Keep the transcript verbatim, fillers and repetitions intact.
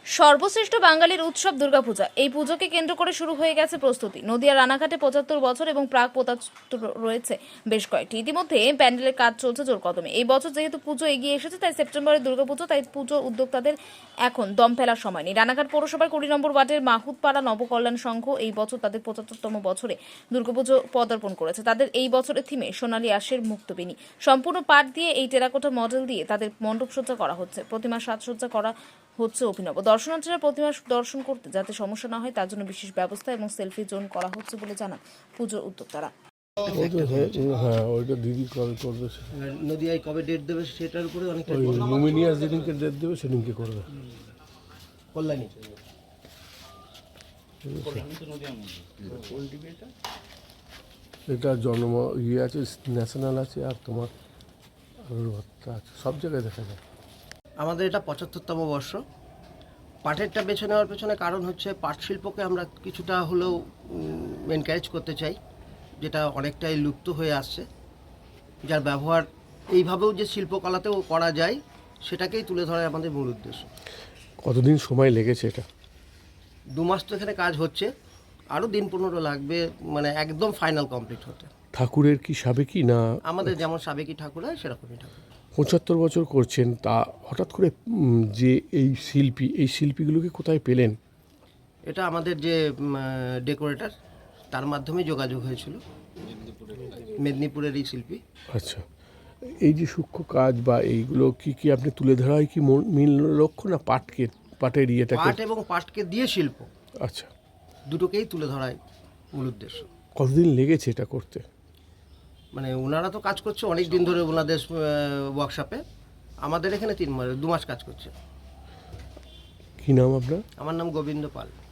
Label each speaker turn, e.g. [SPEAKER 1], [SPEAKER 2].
[SPEAKER 1] সর্বশ্রেষ্ঠ বাঙালির উৎসব দুর্গাপূজা। এই পুজোকে কেন্দ্র করে শুরু হয়ে গেছে প্রস্তুতি। নদিয়া রানাঘাটে পঁচাত্তর বছর এবং প্রাক পঁচাত্তর রয়েছে বেশ কয়েকটি। ইতিমধ্যে প্যান্ডেলের কাজ চলছে জোর কদমে। এই বছর যেহেতু পুজো এগিয়ে এসেছে, তাই সেপ্টেম্বরে দুর্গাপুজো, তাই পুজো উদ্যোক্তাদের এখন দম ফেলার সময় নেই। রানাঘাট পৌরসভার কুড়ি নম্বর ওয়ার্ডের মাহুতপাড়া নবকল্যাণ সংঘ এই বছর তাদের পঁচাত্তরতম বছরে দুর্গাপুজো পদার্পণ করেছে। তাদের এই বছরের থিমে সোনালী আঁশের মুক্তবেণী। সম্পূর্ণ পাট দিয়ে এই টেরাকোটা মডেল দিয়ে তাদের মণ্ডপসজ্জা করা হচ্ছে। প্রতিমা সাজসজ্জা করা হচ্ছে অভিনব। দর্শনার্থীরা প্রতিমা দর্শন করতে যাতে সমস্যা না হয় তার জন্য বিশেষ ব্যবস্থা এবং সেলফি জোন করা হচ্ছে বলে জানান পুজোর উদ্যোক্তারা।
[SPEAKER 2] হ্যাঁ, ওইটা দিদি কবে করবে,
[SPEAKER 3] নদিয়ায় কবে ডেট দেবে সেটার উপরে অনেকটা
[SPEAKER 2] ওই লুমিনিয়াস যেদিনকে ডেট দেবে সেদিনকে করবে।
[SPEAKER 3] কল্যাণী
[SPEAKER 2] এটা জন্ম ইয়ে আছে, ন্যাশনাল আছে, আর তোমার আলুর ভর্তা আছে, সব জায়গায় দেখা যায়।
[SPEAKER 3] আমাদের এটা পঁচাত্তরতম বর্ষ। পাটেরটা বেছে নেওয়ার পেছনে কারণ হচ্ছে পাট শিল্পকে আমরা কিছুটা হলেও এনকারেজ করতে চাই, যেটা অনেকটাই লুপ্ত হয়ে আসছে, যার ব্যবহার এইভাবেও যে শিল্পকলাতেও করা যায় সেটাকেই তুলে ধরাই আমাদের মূল উদ্দেশ্য।
[SPEAKER 2] কতদিন সময় লেগেছে এটা?
[SPEAKER 3] দু মাস তো এখানে কাজ হচ্ছে, আরও দিন পনেরো লাগবে মানে একদম ফাইনাল কমপ্লিট হতে।
[SPEAKER 2] ঠাকুরের কি সাবেকি না?
[SPEAKER 3] আমাদের যেমন সাবেকি ঠাকুর হয় সেরকমই ঠাকুর।
[SPEAKER 2] পঁচাত্তর বছর করছেন, তা হঠাৎ করে উম, যে এই শিল্পী এই শিল্পীগুলোকে কোথায় পেলেন?
[SPEAKER 3] এটা আমাদের যে ডেকোরেটর তার মাধ্যমে যোগাযোগ হয়েছিল, মেদিনীপুরের এই শিল্পী।
[SPEAKER 2] আচ্ছা, এই যে সূক্ষ্ম কাজ বা এইগুলো কি কি আপনি তুলে ধরা হয় কি মূল- মূল লক্ষ্য, না পাটকে পাটের ইয়েটাকে?
[SPEAKER 3] পাট এবং পাটকে দিয়ে শিল্প
[SPEAKER 2] আচ্ছা,
[SPEAKER 3] দুটোকেই তুলে ধরাই মূল উদ্দেশ্য।
[SPEAKER 2] কতদিন লেগেছে এটা করতে?
[SPEAKER 3] মানে ওনারা তো কাজ করছে অনেক দিন ধরে ওনাদের ওয়ার্কশপে, আমাদের এখানে তিন মাস দু মাস কাজ করছে।
[SPEAKER 2] কি নাম আপনার?
[SPEAKER 3] আমার নাম গোবিন্দ পাল।